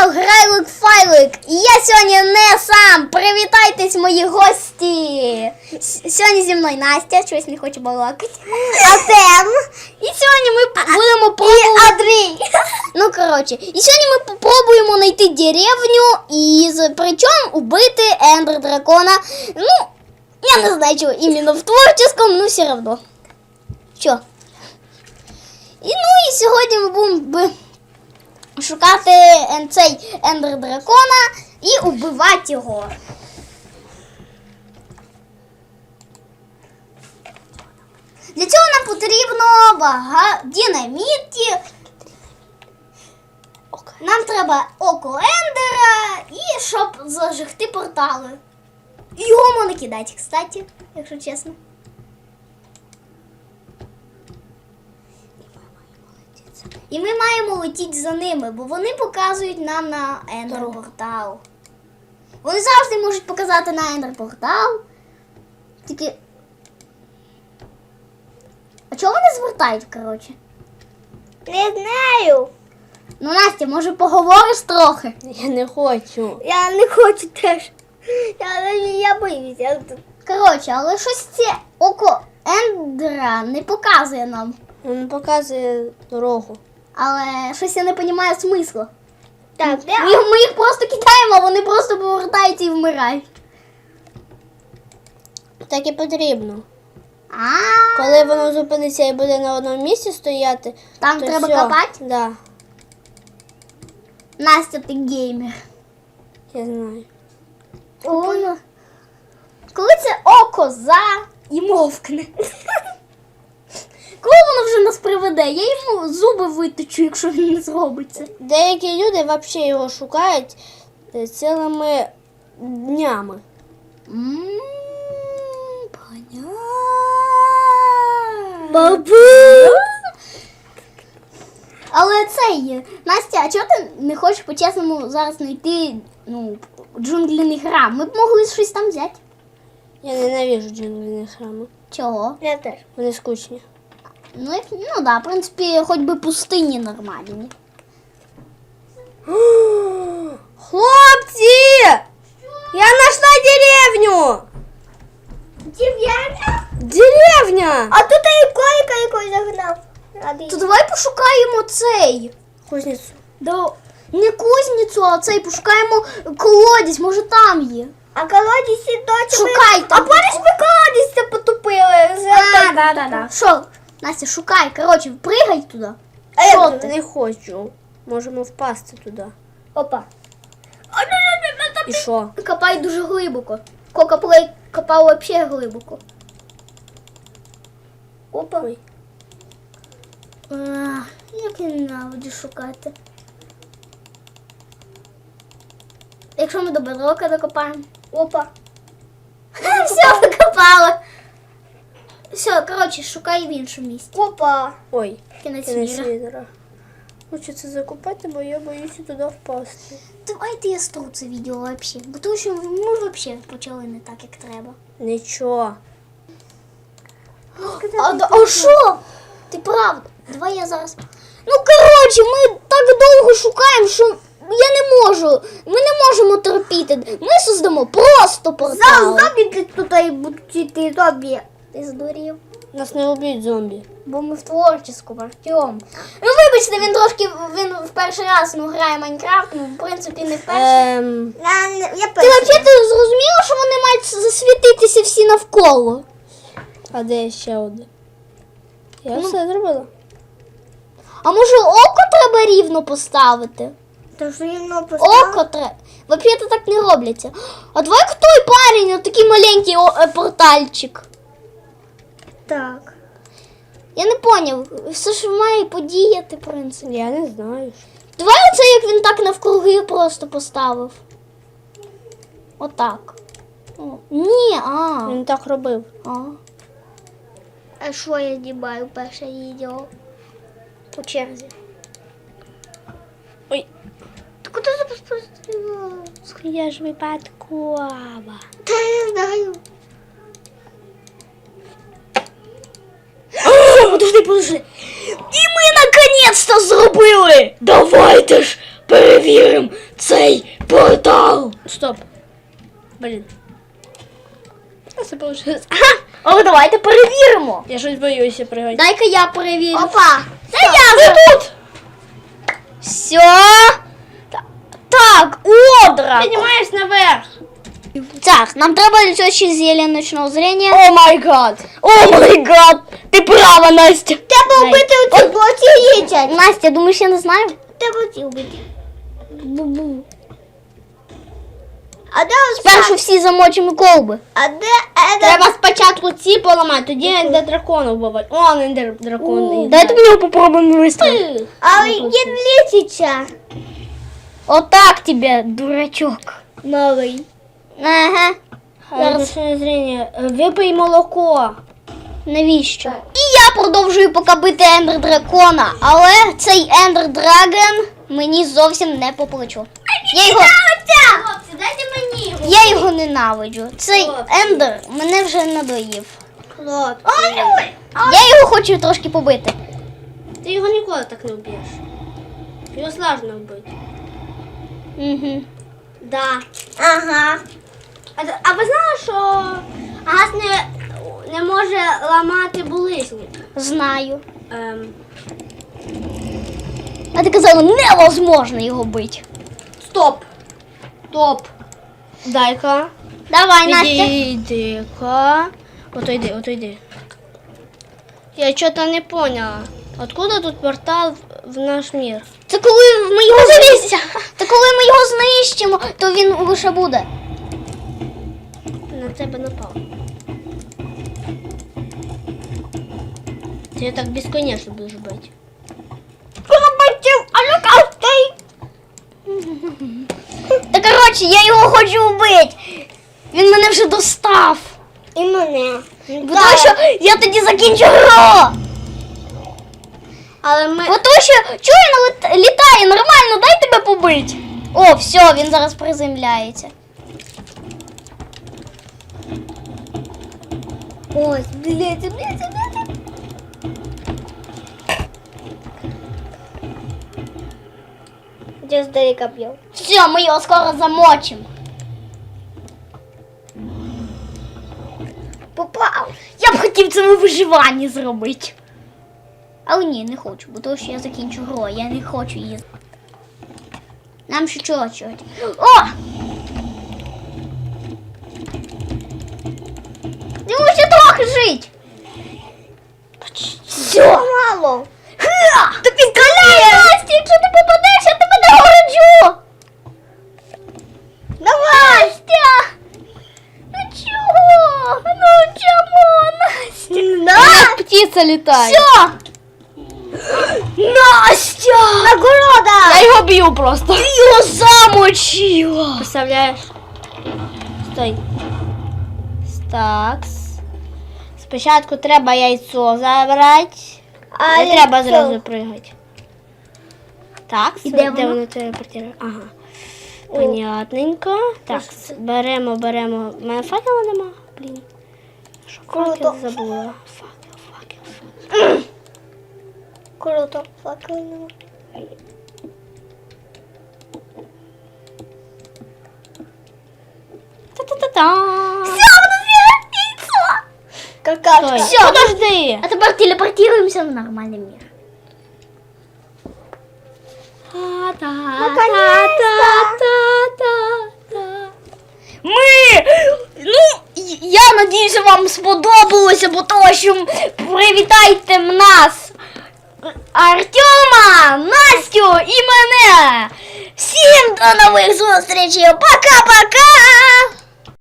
канал Грайлик Файлик. І я сьогодні не сам. Привітайтесь, мої гості. Сьогодні зі мною Настя, щось не хоче балакати. Артем. І сьогодні ми будемо пробувати... І Андрій. Ну, коротше. І сьогодні ми попробуємо знайти деревню і причому убити Ендер Дракона. Ну, я не знаю, чого іменно в творческом, но все равно. Що? І сьогодні ми будемо шукати цей Ендер Дракона і убивати його. Для цього нам потрібно динаміт. Нам треба око Ендера і щоб зажигти портали. І його можна кидати, кстати, якщо чесно. І ми маємо летіти за ними, бо вони показують нам на ендер-портал. Вони завжди можуть показати на ендер-портал. Тільки... А чого вони звертають, коротше? Не знаю. Ну, Настя, може поговориш трохи? Я не хочу. Я не хочу теж. Я боюся. Коротше, але щось це око Ендера не показує нам. Він показує дорогу. Але щось я не розумію смислу. Так, Ми їх просто кидаємо, а вони просто повертаються і вмирають. Так і потрібно. А, Коли воно зупиниться і буде на одному місці стояти, там то треба все. копати? Да, Настя, ти геймер. я знаю. Ой. Коли це око і мовкне. Коли воно вже нас приведе, я йому зуби виточу, якщо він не зробить це. Деякі люди взагалі його шукають цілими днями. Понятно. Бабу! Але це є. Настя, а чого ти не хочеш по-чесному зараз знайти джунгліний храм? Ми б могли щось там взяти. Я ненавижу джунглі храми. Чого? Я теж. Вони скучні. Ну да, в принципі, хоч би пустині нормальні. Хлопці! Я знайшла деревню! Дерев'яна? Деревня! А тут і койка якось загнав. То давай пошукаємо цей. Кузницю. Не кузницю, а цей пошукаємо колодязь, може там є. А колодязь і точно. Шукай А там. помниш, ми колодязь потупили? Да. Що? Настя, шукай, коротше, пригай туди. А Що я ти? Не хочу. Можемо впасти туди. Опа. І що? Копай дуже глибоко. Копав взагалі глибоко. Опа. Ой. Як я ненавиджу шукати. Якщо ми до бедрока докопаємо. Опа. Все, докопали. Все, коротше, шукай в іншому місці. Опа. Ой, Кінець кінець міра. відра. Хочу це закупати, бо я боюся туди впасти. Давайте я стру це відео вообще. Бо тому що ми взагалі почали не так, як треба. Нічого. А що? Ти правда? Давай я зараз. Ну, коротше, ми так довго шукаємо, що я не можу. Ми не можемо терпіти. Ми создамо просто портал. Зомбі тут і будуть йти зомбі. Ти здурів. Нас не вб'ють зомбі. Бо ми в творческому, Артем. Ну, вибачте, він в перший раз грає Майнкрафт, в принципі, не вперше. Я Ти перший. взагалі зрозуміла, що вони мають засвітитися всі навколо? А де ще один? Я все зробила. А може око треба рівно поставити? То що рівно поставив? Око треба. Взагалі так не робляться. А давай той парень, такий маленький портальчик. Так. Я не поняв, все ж має подіяти, в принципі. Я не знаю. Давай оце, як він так навкруги просто поставив. Отак. О, ні, Він так робив. А що я знімаю перше відео? По черзі. Ой. Ти куди запустила? Я ж випадкова. Та я знаю. Подожди. І ми наконець-то зробили! Давайте ж перевіримо цей портал. Стоп. Блін. Це вийшло. О, давайте перевіримо. Я щось боюся пригати. Дай-ка я перевірю. Опа. Це я вже тут. Все. Так, одра. Піднімаєш наверх. Так, нам треба для цього ще зілля ночного зрення. О май гад. О май гад! Ти права, Настя. Треба вбити оці блоки їдять. Настя, думаєш, я не знаю? Треба оці вбити. А де ось Спершу всі замочимо колби. А де Треба спочатку ці поламати, тоді ендер дракона вбивати. О, ендер дракон. Дайте мені його попробуємо вистрілити. А він літиться. Отак тебе, дурачок. Новий. Ага. Ночне зріння. Випий молоко. Навіщо? І я продовжую поки бити ендер дракона, але цей ендер драген мені зовсім не по плечу. Хлопці, дайте мені його. Я його ненавиджу. Цей ендер мене вже надоїв. Хлопці. Я його хочу трошки побити. Ти його ніколи так не вб'єш. Його сложно вбити. Угу. Да. Ага. А ви знали, що газ не може ламати булизні? Знаю. А ти казала, невозможно його бити. Стоп. Стоп. Дай-ка. Давай, Настя. Иди-ка. Отойди. Я что-то не поняла. Откуда тут портал в наш мир? Це коли ми його знищимо. Та коли ми його знищимо, то він лише буде. На тебе напав. Ти так безконечно будеш бити. Та коротше, я його хочу вбити. Він мене вже достав. І мене. Бо тому що я тоді закінчу гру. Але ми... Бо тому що чує, літає нормально, дай тебе побить. О, все, він зараз приземляється. Ось, блядь. Я здалека б'ю. Все, ми його скоро замочимо. Попав. Я б хотів це у виживанні зробити. Але ні, не хочу, бо тому що я закінчу гру, я не хочу її. Нам ще чого. О! Йому ще трохи жить. Все. Мало. Ти підкаляє! Настя, якщо ти попадеш, я тебе нагороджу! Давай. Настя! Ну чого? Ну чому, Настя? Як птиця літає. Все! Настя! Нагорода. Я його б'ю просто. Ти його замочила! Представляєш? Стой. Такс. Спочатку треба яйцо забрати. Не треба зразу пригати. Так, І де де воно? воно телепортує? Ага. Понятненько. Так, беремо. У мене факела нема. Блін. Що Круто. факел забула? Факел. Круто. Факельно. Та-та-та-та. Какашка. Стой. Всё. Подожди. А тепер телепортуємося в нормальний мир. Ми! Я надіюся, вам сподобалося, бо того, що привітайте нас Артема, Настю і мене. Всім до нових зустрічей. Пока-пока!